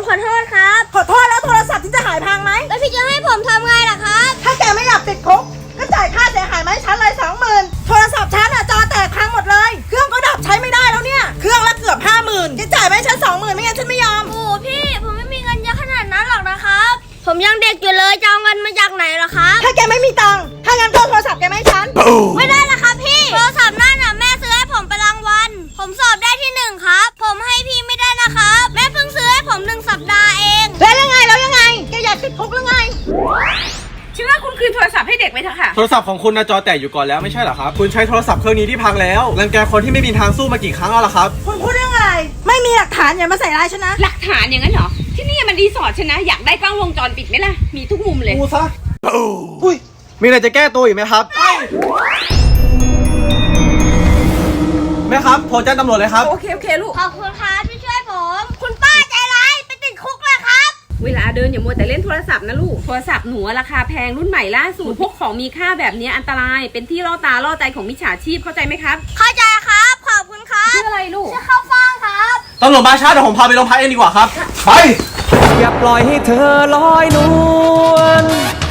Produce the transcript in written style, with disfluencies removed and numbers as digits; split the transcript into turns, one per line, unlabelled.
ขอโทษครับขอโทษแล้วโทรศัพท์ที่จะหายพังไหมแล้วพี่จะให้ผมทำไงล่ะครับถ้าแกไม่อยากติดคุกก็จ่ายค่าเสียหายมาให้ฉันเลย20,000โทรศัพท์ฉันอะจอแตกพังหมดเลยเครื่องก็ดับใช้ไม่ได้แล้วเนี่ยเครื่องละเกือบ50,000แกจ่ายมาให้ฉัน20,000ไม่งั้นฉันไม่ยอมโอ้พี่ผมไม่มีเงินเยอะขนาดนั้นหรอกนะครับผมยังเด็กอยู่เลยจะเอาเงินมาจากไหนล่ะครับถ้าแกไม่มีตังค์ถ้างั้นก็โทรศัพท์แกมาให้ฉันไม่ได้ละครับพี่โทรศัพท์นั่นน่ะแม่ซื้อให้ผมไปรางวัลผมสอบได้ที่1ครับผมให้พี่ไม่ได้นะครับแม่เพิ่งซื้อให้ผม1 สัปดาห์เองแล้วยังไงแกอยากติดคุกหรือไง
ฉันว่าคุณคืนโทรศัพท์ให้เด็กไปเถอะค่ะ
โทรศัพท์ของคุณนะจอแตกอยู่ก่อนแล้วไม่ใช่เหรอครับคุณใช้โทรศัพท์เครื่องนี้ที่พังแล้วรังแกคนที่ไม่มีทางสู้มากี่ครั้งแล้วล่ะครับ
คุณพูดเรื่องอะไรไม่มีหลักฐานอย่ามาใส่ร้ายฉันนะ
หลักฐานอย่างนั้นเหรอที่นี่มันรีสอร์ทฉันนะอยากได้กล้องวงจรปิดไหมล่ะมีทุกมุมเลย
ดูซะอุ้ยมีอะไรจะแก้ตัวอีกไหมครับแม่ครับโทรแจ้งตำรวจเลยครับ
โอเคลูก
ขอบคุณครับที่ช่วยผมคุณป้าใจร้ายไปติดคุกเลยครับ
เวลาเดินอย่ามัวแต่เล่นโทรศัพท์นะลูกโทรศัพท์หนูราคาแพงรุ่นใหม่ล่าสุดพวกของมีค่าแบบนี้อันตรายเป็นที่ล่อตาล่อใจของมิจฉาชีพเข้าใจไหมครับ
เข้าใจครับขอบคุณครับ
ชื่ออะไรลูก
ชื่อข้าวฟ่างครับ
ตำรวจมาช้าเดี๋ยวผมพาไปโรงพักเองดีกว่าครับไป
อย่าปล่อยให้เธอลอยนวล